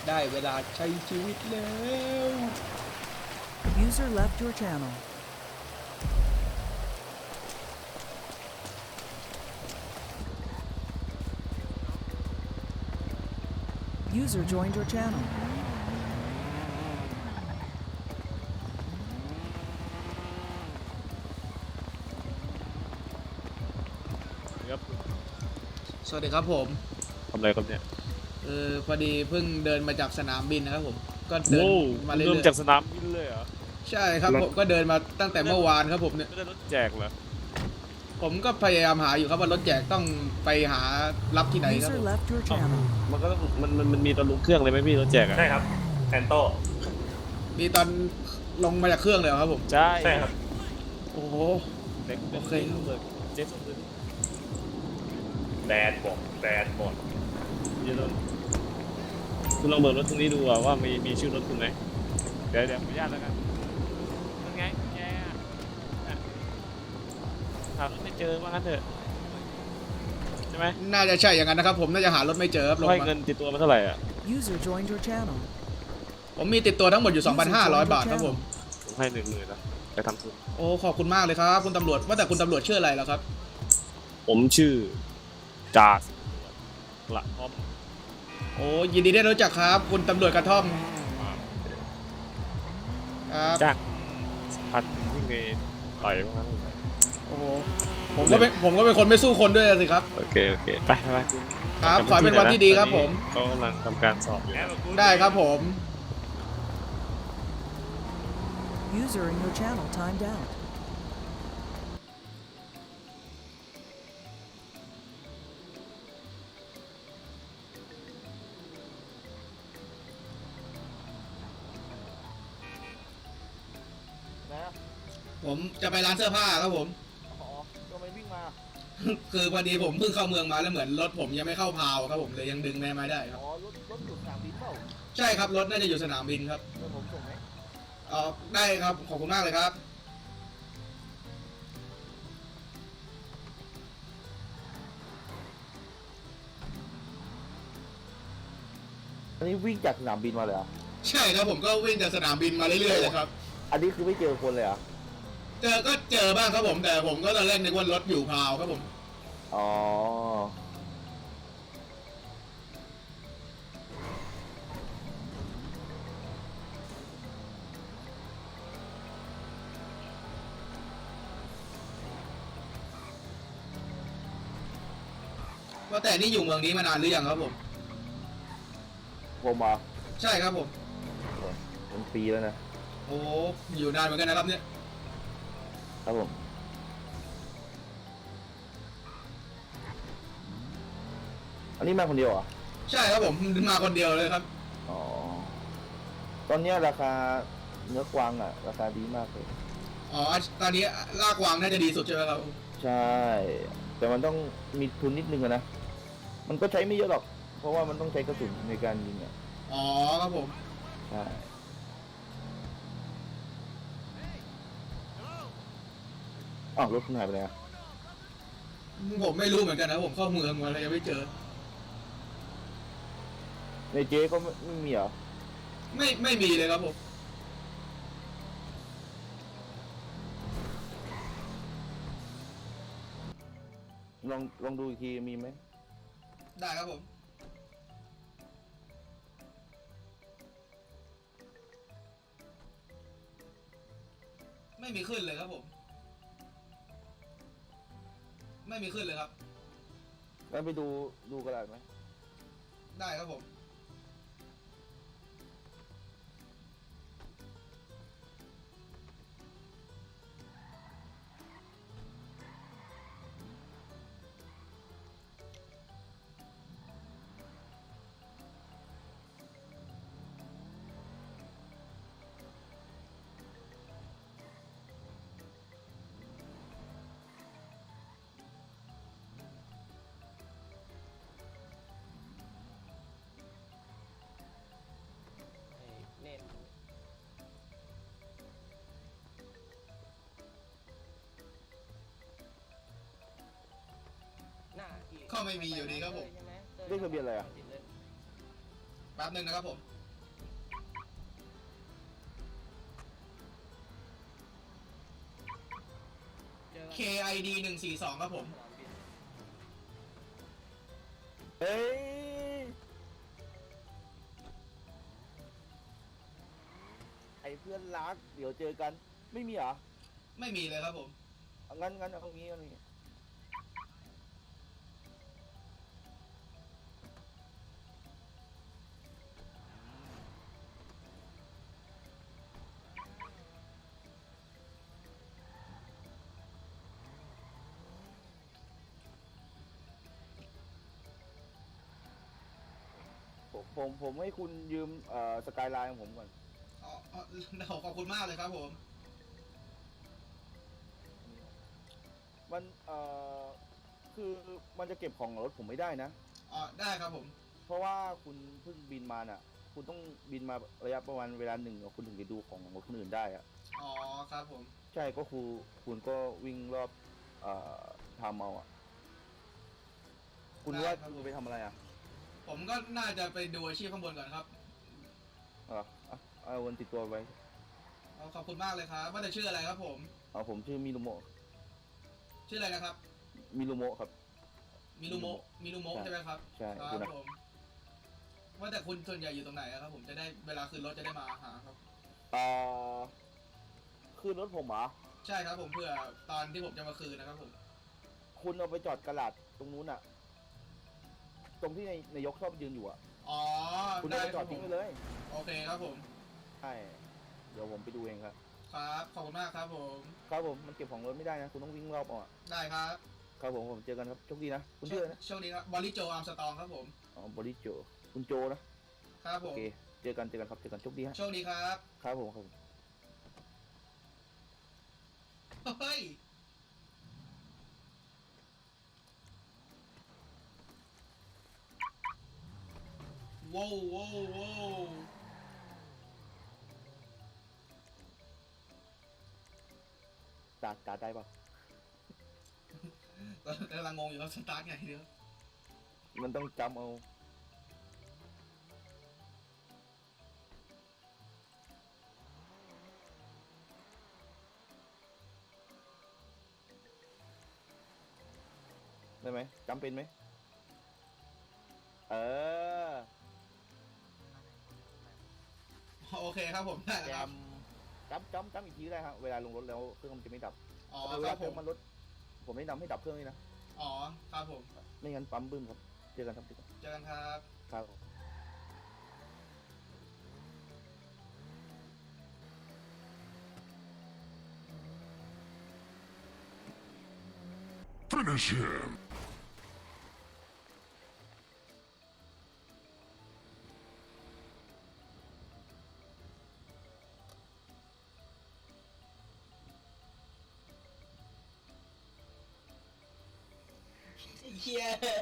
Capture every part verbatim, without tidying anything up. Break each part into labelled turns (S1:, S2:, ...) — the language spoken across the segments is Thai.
S1: ได้เวลาใช้ชีวิตแล้ว
S2: User left your channel. User joined your channel.
S3: ครับ
S1: สวัสดีครับผม
S3: ทำอะไรครับเนี่ย
S1: เออพอดีเพิ่งเดินมาจากสนามบินนะครับผมก็เดิน
S3: โว้
S1: มา
S3: เริ่
S1: เรื่
S3: ม
S1: อย
S3: จากสนามบินเลยเหรอ
S1: ๆใช่ครับผมก็เดินมาตั้งแต่เมื่อวานครับผมเนี่ย
S3: ไม่ได้รถแจกเหรอ
S1: ผมก็พยายามหาอยู่ครับว่ารถแจกต้องไปหารับที่ไหนครับ
S2: User
S1: ผม
S2: left your channel.
S3: มันก็ต้องมันมันมันมีตอนลงเครื่องเลยไหมพี่รถแจกอ่ะ
S4: ใช่ครับแอนโต้
S1: มีตอนลงมาจากเครื่องเลยเหรอครับผม
S3: ใช่
S4: ใช่ครับ
S1: โอ้โห
S3: เด็ก
S1: โอเค
S3: เลยเจ๊ส่งเลย
S4: แบดหมดแบดหมด
S3: พี่ต้องคุณลองเบิกรถตรงนี้ดูอะว่ามีมีชื่อรถคุณไหมเดี๋ยวเดี๋ยวขออนุญาตแล้วกันนั่นไงแกอะอ่ะหารถไม่เจอว่างั้นเถอะใช่ไหม
S1: น่าจะใช่อย่างนั้นนะครับผมน่าจะหารถไม่เจอครับลง
S3: ให้
S1: มา
S3: เงินติดตัวมาเท่าไหร่อ่ะ
S2: User joined your channel.
S1: ผมมีติดตัวทั้งหมดอยู่ สองพันห้าร้อย บาทครับผม
S3: ผมให้หนึ่งหมื่นนะไปทำทุน
S1: โอ้ขอบคุณมากเลยครับคุณตำรวจว่าแต่คุณตำรวจชื่ออะไรแล้วครับ
S3: ผมชื่อจ่าสิบตำรวจกระท่อม
S1: โอ้ยินดีได้รู้จักครับ คุณตำรวจกระท่อมครับ
S3: จ้างพันวิ่งไปต่อยบ้างนะ
S1: โอ้โหผมก็เป็นผมก็เป็นคนไม่สู้คนด้วยสิครับ
S3: โอเคโอเคไปไปคุณ
S1: ครับขอให้เป็นวันที่ดีครับผม
S3: เขากำลังทำการสอบอยู่
S4: แอปกู
S1: ได้ครับผม
S2: User in your channel timed out.
S1: ผมจะไปร้านเสื้อผ้าครับผม
S5: อ๋อทำไมวิ่งมา
S1: คือพอดีผมเพิ่งเข้าเมืองมาแล้วเหมือนรถผมยังไม่เข้าพาวครับผมเลยยังดึงแม่ไม้ได้ครับ
S5: อ๋อ รถ รถอยู่สนามบินเปล่า
S1: ใช่ครับรถน่าจะอยู่สนามบินครับ
S5: เดี๋ยวผมส่งไหม
S1: เออได้ครับขอบคุณมากเลยครับ
S5: อันนี้วิ่งจากสนามบินมาเลยเหรอ
S1: ใช่ครับผมก็วิ่งจากสนามบินมาเรื่อยๆเลยครับ
S5: อันนี้คือไม่เจอคนเลยเหรอ
S1: เจอก็เจอบ้างครับผมแต่ผมก็ตอนแรกนึกว่ารถอยู่พาวครับผม
S5: อ๋อ
S1: ว่าแต่นี่อยู่เมืองนี้มานานหรือยังครับผม
S5: ผมเหรอ่ะ
S1: ใช่ครับผม
S5: เป็นปีแล้วนะ
S1: โอ้อยู่นานเหมือนกันนะครับเนี่ย
S5: ครับผม อันนี้มาคนเดียวเหรอ่ะ
S1: ใช่ครับผมมาคนเดียวเลยครับ
S5: อ๋อ ตอนเนี้ยราคาเนื้อกวางอ่ะ ราคาดีมากเลย
S1: อ๋อตอนนี้ลากวางน่าจะดีสุดใช่ไหมครับ
S5: ใช่ แต่มันต้องมีทุนนิดนึงอะนะ มันก็ใช้ไม่เยอะหรอก เพราะว่ามันต้องใช้กระสุนในการยิงอ่ะ
S1: อ๋อครับผม
S5: ใช่ อ้าวรถคุณหายไปไหนอ่ะ
S1: ผมไม่รู้เหมือนกันนะผมเข้าเมืองมาแล้วยังไม่เจอ
S5: ในเจ๊ก็ไม่ไม่มีเหรอ
S1: ไม่ไม่มีเลยครับผม
S5: ลองลองดูอีกทีมีไหม
S1: ได้ครับผม ไม่มีขึ้นเลยครับผม ไม่มีขึ้นเลยครับ
S5: งั้นไปดูดูกระดาษไหม
S1: ได้ครับผม ก็ไม่มีอยู่ดีครับผม
S5: เลขทะเบียนอะไรอ่ะ
S1: แป๊บหนึงนะครับผมเค ไอ ดี หนึ่งสี่สองครับผม
S5: เฮ้ย ไอเพื่อนรัก เดี๋ยวเจอกัน ไม่มีเหรอ
S1: ไม่มีเลยครับผม
S5: เอางั้นงั้นเอางี้เอางี้ผมผมผมให้คุณยืมเอ่อสกายไลน์ของผมก่อน
S1: อ๋ออ๋อขอบคุณมากเลยครับผม
S5: มันเอ่อคือมันจะเก็บของรถผมไม่ได้นะ
S1: อ๋อ ได้ครับผม
S5: เพราะว่าคุณเพิ่งบินมาน่ะ คุณต้องบินมาระยะประมาณเวลาหนึ่งคุณถึงจะดูของรถคนอื่นได้อะ
S1: อ๋อ ครับผม
S5: ใช่ก็คือคุณก็วิ่งรอบเอ่อทำเอาอ่ะ คุณ
S1: ได้
S5: ว่า
S1: ครับ
S5: คุณไปทำอะไรอ่ะ
S1: ผมก็น่าจะไปดูอาชีพข้างบนก่อนครับ
S5: เอออ่ะเอาวันติดตัวไว้
S1: อ๋อขอบคุณมากเลยครับ ว่าแต่ชื่ออะไรครับผม
S5: เอาผมชื่อมิรุโมะ
S1: ชื่ออะไรนะครับ
S5: มิรุโมะครับ
S1: มิรุโมะมิรุโมะ
S5: ใช่
S1: ใช่ไหมครับ
S5: ใช่
S1: ค
S5: คุ
S1: รั
S5: ณ
S1: บ
S5: นะ
S1: ผม ว่าแต่คุณส่วนใหญ่อยู่ตรงไหนอะครับผมจะได้เวลาขึ้นรถจะได้มาหาครับ
S5: เอ่อคืนรถผมเหรอ
S1: ใช่ครับผมเพื่อตอนที่ผมจะมาคืนนะครับผม
S5: คุณเอาไปจอดกระดาษตรงนู้นอ่ะ ตรงที่ในนายกชอบยืนอยู่อ่ะ
S1: อ๋อ
S5: คุณ
S1: ได้
S5: เอาไป
S1: ค
S5: จอ
S1: รั
S5: ด
S1: บผ
S5: ทิ้ง
S1: ม
S5: ไปเลย
S1: โอเคครับผม
S5: ใช่ เดี๋ยวผมไปดูเองครับ
S1: ครับ ขอบคุณมากครับผม
S5: ครับผม มันเก็บของรถไม่ได้นะ คุณต้องวิ่งรอบเอาอ่ะ
S1: ได้ครับ
S5: ครับผมผมเจอกันครับโชคดีนะ คุณชื่ออะไรนะ
S1: โชคดีครับบอลลี่โจอาร์มสตองครับผม
S5: อ๋อบริโจ คุณโจนะ
S1: ครับผ
S5: โอ
S1: ม
S5: เค เจอกันเจอกันครับ เจอกันโชคดีฮะ
S1: โชคดีครับ
S5: ครับผมครับผม
S1: เฮ้ย ว้าวว้าวว้าว
S5: ตาตาได้ปะ
S1: กำลังงงอยู่ว่าสตาร์ทไงเดี๋ยว
S5: มันต้องจำเอา ได้ไหมจำเป็นไหม เออ
S1: โอเคครับผมได้
S5: แจ
S1: แล้วครับ
S5: มจำจำจำอีกทีก็ได้ครับเวลาลงรถแล้วเครื่องมันจะไม่ดับ
S1: อ๋อ
S5: แต่
S1: ค
S5: เว
S1: รั
S5: ลา
S1: บ
S5: เค
S1: ผ
S5: รื่อง
S1: ม
S5: มันรถผมแนะนำให้ดับเครื่องนี่นะ
S1: อ๋อครับผม
S5: ไม่งั้นปั๊มบึ้มครับ เจอกันครับเจอกัน
S1: เจอกันครับ
S5: ครับ
S6: Finish him!
S1: เฮีย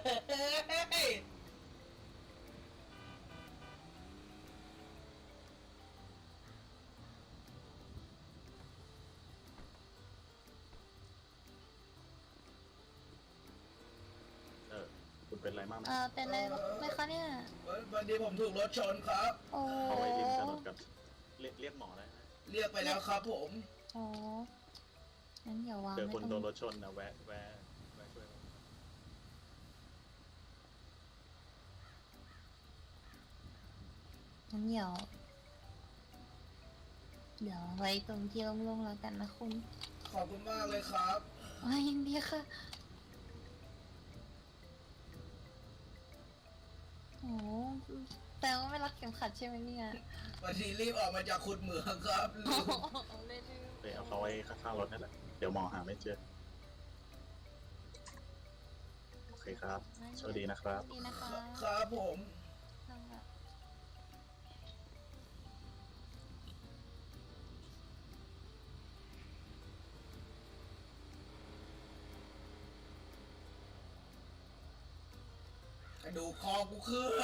S4: เออ คุณเป็นอะไรมากไหม
S7: เออเป็นอะไรไหมคะเนี่ย
S1: วันนี้ผมถูกรถชนครับ
S7: โอ้
S4: เอาไว้ริมถนนกับเรียกเรียกหมอได้ไหม
S1: เรียกไปแล้วครับผม
S7: โอ้งั้นอย่าวาง
S4: เจอ
S7: ไว้
S4: คน
S7: ตรง
S4: โดนรถชนนะแวะแวะแวะช่วย
S7: งั้นเดี๋ยว เดี๋ยวไว้ตรงที่โล่งๆแล้วกันนะคุณ
S1: ขอบคุณมากเลยครับ
S7: อ๋อยังดีค่ะ โอ้แต่ว่าไม่รักเข็มขัดใช่ไหมเนี่ย
S1: วันนี้รีบออกมาจากขุดเหมืองครับ
S7: โอ้โหเล่น
S4: ไปเอาเขาไว้ข้างๆรถนั่นแหละ เดี๋ยวหมอหาไม่เจอ โอเคครับสวัสดีนะครับ
S7: ดีนะคะ
S1: ครับผม
S7: นั่งแบบ
S1: กระดูกคอกูเคลื่อน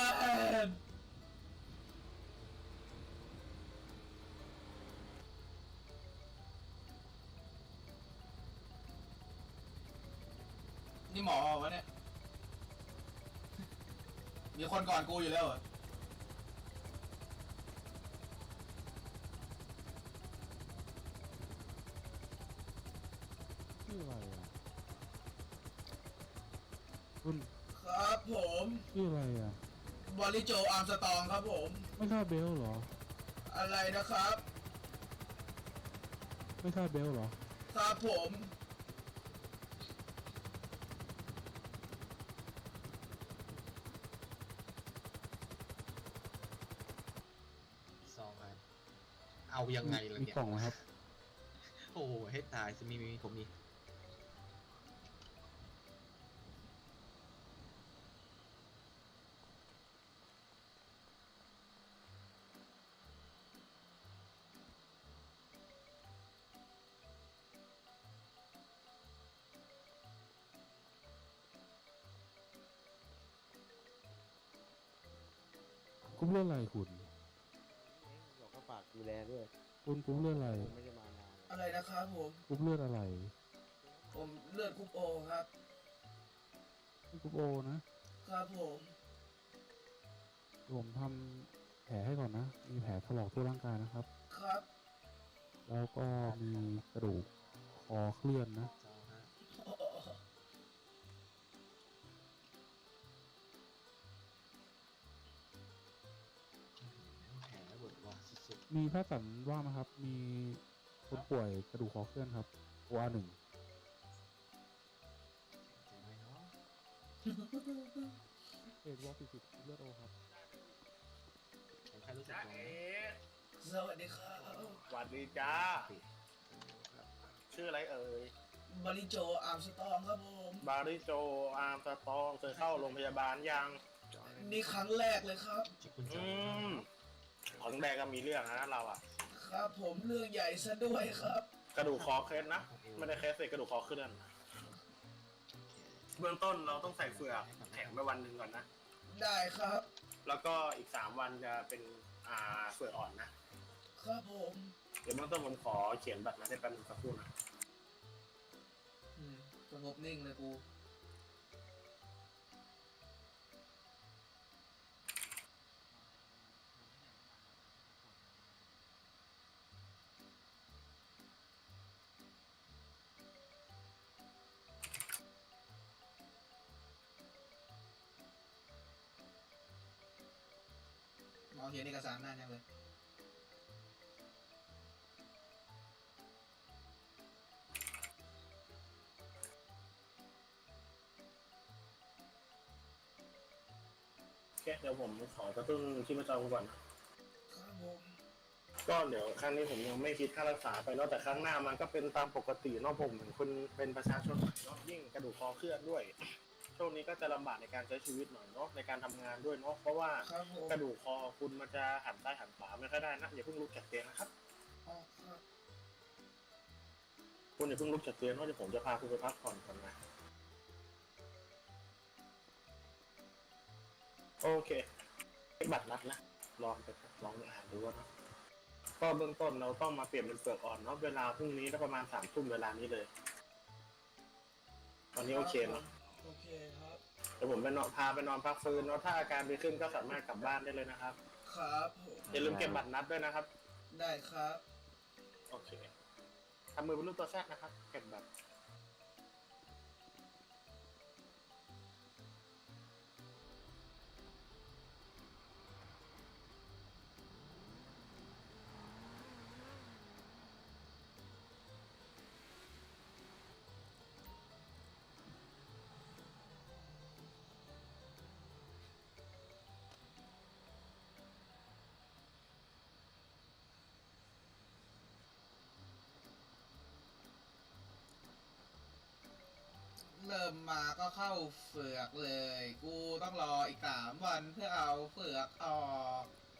S1: นี่หมอวะเนี่ย มีคนก่อนกูอยู่แล้วเหรอ
S5: ชื่ออะไรอ่ะ
S6: คุณ
S1: ครับผม
S6: ชื่ออะไรอ่ะ
S1: บอลลิโจอาร์มสตองครับผม
S6: ไม่ทราบเบลเหรอ
S1: อะไรนะครับ
S6: ไม่ทราบเบลเหรอ
S1: ครับผม
S8: ซองครับเอายังไงล่ะ
S6: มี
S8: เนี่ย
S6: กล่องไหมครับ
S8: โอ้โหให้ตายจะมีมีผมมี
S6: กุ้มเลือดอะไรคุณ
S9: บอกก็ฝากดูแลด้วย
S6: คุณกุ้มเลือดอะไร
S9: ไม่ได้มานาน
S1: อะไรนะครับผม
S6: กุ้มเลือดอะไร
S1: ผมเลือดคุปโอครับ
S6: กุ้มโอนะครับ
S1: ผม
S6: ผมทำแผลให้ก่อนนะ มีแผลถลอกทั่วร่างกายนะครับ
S1: ครับ
S6: แล้วก็มีกระดูกคอเคลื่อนนะ
S8: ซองฮะ
S1: โอ้
S8: แผลเบิดว่ะสุด
S6: มีแพทย์สันว่างไหมครับ มีคนป่วยกระดูกคอเคลื่อนครับ โอ อาร์ หนึ่ง
S8: ๆเจ็บไหมเนาะ
S6: เอดวอลสี่สิบเลือดโอครับ
S8: ผมแค่รู้สึก
S4: จ้า
S8: ตัว
S4: เอ๋
S1: สวัสดีครับ
S4: สวัสดีจ้า
S8: ติดครับ
S4: ชื่ออะไรเอ่ย
S1: บอลลิโจอาร์มสตองครับผม
S4: บาริโจอาร์มสตองเคยเข้าโรงพยาบาลยัง
S8: จอย
S1: นี่ครั้งแรกเลยครับ
S8: จิบคุณจอ
S4: อื
S8: ย
S4: มของแดงก็มีเรื่องนะเราอ่ะ
S1: ครับผมเรื่องใหญ่ซะด้วยครับ
S4: กระดูกคอเคสนะ ไม่ได้เคสเสร็จกระดูกคอเคลื่อนเบื้องต้นเราต้องใส่เฟือกแข็งไปวันหนึ่งก่อนนะ
S1: ได้ครับ
S4: แล้วก็อีกสามวันจะเป็นอ่าเฟือกอ่อนนะ
S1: ครับผม
S4: เดี๋ยวเบื้องต้นผมขอเขียนบัตรนะได้แป๊บนึงสักครู่นะ
S1: อืมสงบนิ่งเลยกู มองเห็นเอกสารหน้ายังเลย
S4: โอเคเดี๋ยวผมขอกระตุ้นชีพจรก่อนนะ
S1: ครับผม
S4: ก็เดี๋ยวครั้งนี้ผมยังไม่คิดค่ารักษาไปเนาะแต่ครั้งหน้ามันก็เป็นตามปกติเนาะผมเหมือนคนเป็นประชาชนใหม่เนาะยิ่งกระดูกคอเคลื่อนด้วย ช่วงนี้ก็จะลำบากในการใช้ชีวิตหน่อยเนาะในการทำงานด้วยเนาะเพราะว่า
S1: ครับผม
S4: กระดูกคอคุณมันจะหันซ้ายหันขวาไม่ค่อยได้นะอย่าเพิ่งลุกจากเตียงนะครับ
S1: อ๋อครับ
S4: คุณอย่าเพิ่งลุกจากเตียงเนาะเดี๋ยวผมจะพาคุณไปพักผ่อนก่อนนะโอเคบัตรนัดนะลองไปลองอ่านดูว่าเนาะก็เบื้องต้นเราต้องมาเปลี่ยนเป็นเปลือกอ่อนเนาะเวลาพรุ่งนี้ก็ประมาณสามทุ่มเวลานี้เลย ตอนนี้โอเคเนาะ
S1: โอเคครับ
S4: เดี๋ยวผมไปนอนพาไปนอนพักฟื้นเนาะถ้าอาการดีขึ้นก็สามารถกลับบ้านได้เลยนะครับ
S1: ครับผม
S4: อย่าลืมเก็บบัตรนัดด้วยนะครับ
S1: ได้ครับ
S4: โอเคทำมือเป็นรูปตัวแซดนะครับเก็บบัตร
S1: เริ่มมาก็เข้าเฝือกเลย กูต้องรออีกสามวันเพื่อเอาเฝือกออก